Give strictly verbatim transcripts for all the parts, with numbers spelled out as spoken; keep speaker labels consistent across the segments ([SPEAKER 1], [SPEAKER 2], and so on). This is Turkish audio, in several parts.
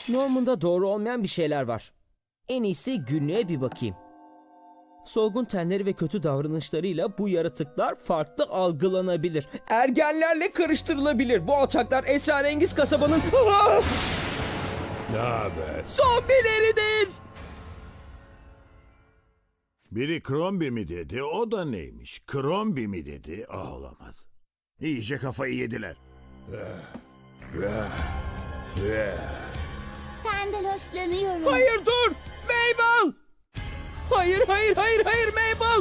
[SPEAKER 1] Norman'da doğru olmayan bir şeyler var. En iyisi günlüğe bir bakayım. Solgun tenleri ve kötü davranışlarıyla bu yaratıklar farklı algılanabilir. Ergenlerle karıştırılabilir. Bu alçaklar esrarengiz kasabanın
[SPEAKER 2] Ne haber?
[SPEAKER 1] zombileridir.
[SPEAKER 3] Biri Krombi mi dedi, o da neymiş? Krombi mi dedi, ah olamaz. İyice kafayı yediler.
[SPEAKER 4] Senden hoşlanıyorum.
[SPEAKER 1] Hayır dur! Mabel! Hayır hayır hayır hayır Mabel!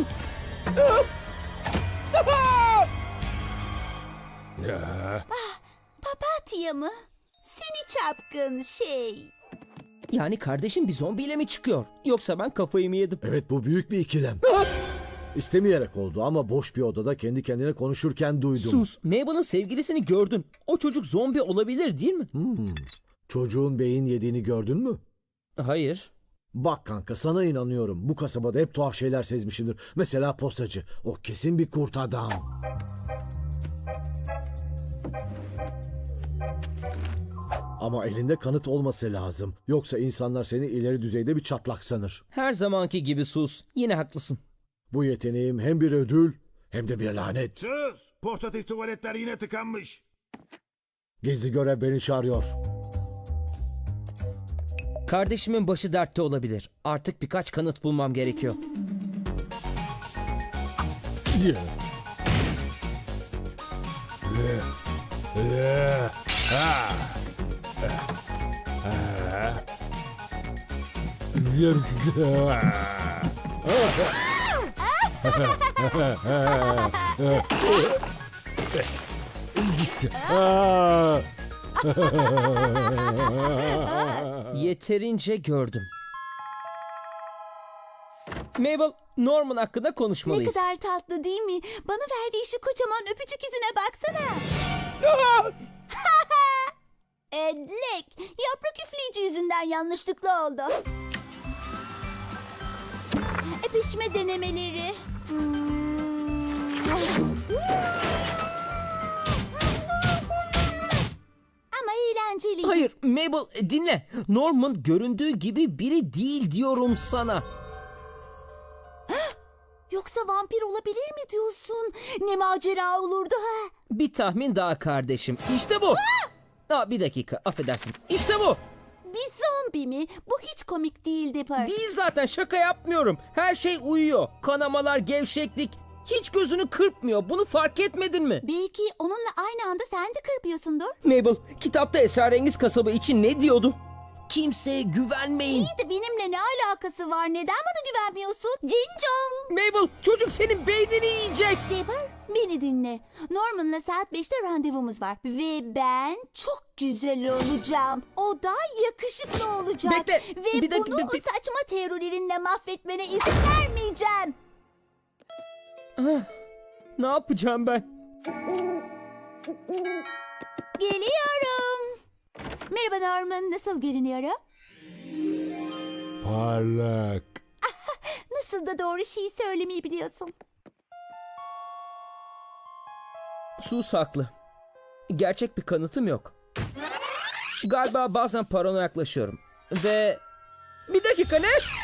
[SPEAKER 2] Ya.
[SPEAKER 4] Papatya mı? Seni çapkın şey.
[SPEAKER 1] Yani kardeşim bir zombiyle mi çıkıyor? Yoksa ben kafayı mı yedim?
[SPEAKER 5] Evet, bu büyük bir ikilem. İstemeyerek oldu ama boş bir odada kendi kendine konuşurken duydum.
[SPEAKER 1] Sus! Mabel'ın sevgilisini gördün. O çocuk zombi olabilir değil mi?
[SPEAKER 5] Hmm. Çocuğun beyin yediğini gördün mü?
[SPEAKER 1] Hayır.
[SPEAKER 5] Bak kanka, sana inanıyorum. Bu kasabada hep tuhaf şeyler sezmişimdir. Mesela postacı. O kesin bir kurt adam. Ama elinde kanıt olması lazım. Yoksa insanlar seni ileri düzeyde bir çatlak sanır.
[SPEAKER 1] Her zamanki gibi sus. Yine haklısın.
[SPEAKER 5] Bu yeteneğim hem bir ödül hem de bir lanet.
[SPEAKER 3] Sus! Portatif tuvaletler yine tıkanmış.
[SPEAKER 5] Gizli görev beni çağırıyor.
[SPEAKER 1] Kardeşimin başı dertte olabilir. Artık birkaç kanıt bulmam gerekiyor. Yeterince gördüm. Mabel, Norman hakkında
[SPEAKER 4] Ne
[SPEAKER 1] konuşmalıyız.
[SPEAKER 4] kadar tatlı değil mi? Bana verdiği şu kocaman öpücük izine baksana. Edlek, yaprak üfleyici yüzünden yanlışlıkla oldu. Öpüşme denemeleri. Hmm. Ama eğlenceli.
[SPEAKER 1] Hayır, Mabel dinle. Norman göründüğü gibi biri değil diyorum sana.
[SPEAKER 4] Yoksa vampir olabilir mi diyorsun? Ne macera olurdu ha?
[SPEAKER 1] Bir tahmin daha kardeşim. İşte bu. Aa, bir dakika, affedersin. İşte bu.
[SPEAKER 4] Bir zombi mi? Bu hiç komik değil Dipper.
[SPEAKER 1] Değil zaten, şaka yapmıyorum. Her şey uyuyor. Kanamalar, gevşeklik. Hiç gözünü kırpmıyor. Bunu fark etmedin mi?
[SPEAKER 4] Belki onunla aynı anda sen de kırpıyorsundur.
[SPEAKER 1] Mabel, kitapta esrarengiz kasaba için ne diyordu? Kimseye güvenmeyin.
[SPEAKER 4] İyi de benimle ne alakası var? Neden bana güvenmiyorsun? Cincom.
[SPEAKER 1] Mabel, çocuk senin beynini yiyecek.
[SPEAKER 4] Dipper, beni dinle. Norman'la saat beşte randevumuz var. Ve ben çok güzel olacağım. O da yakışıklı olacak.
[SPEAKER 1] Bekle,
[SPEAKER 4] Ve
[SPEAKER 1] bir dakika,
[SPEAKER 4] bunu
[SPEAKER 1] bir- bir-
[SPEAKER 4] saçma teorilerinle mahvetmene izin vermeyeceğim.
[SPEAKER 1] Ne yapacağım ben?
[SPEAKER 4] Geliyorum. Merhaba Norman, nasıl görünüyorum?
[SPEAKER 2] Parlak.
[SPEAKER 4] Nasıl da doğru şeyi söylemeyi biliyorsun.
[SPEAKER 1] Sus haklı. Gerçek bir kanıtım yok. Galiba bazen paranoyaklaşıyorum. Ve... Bir dakika, ne?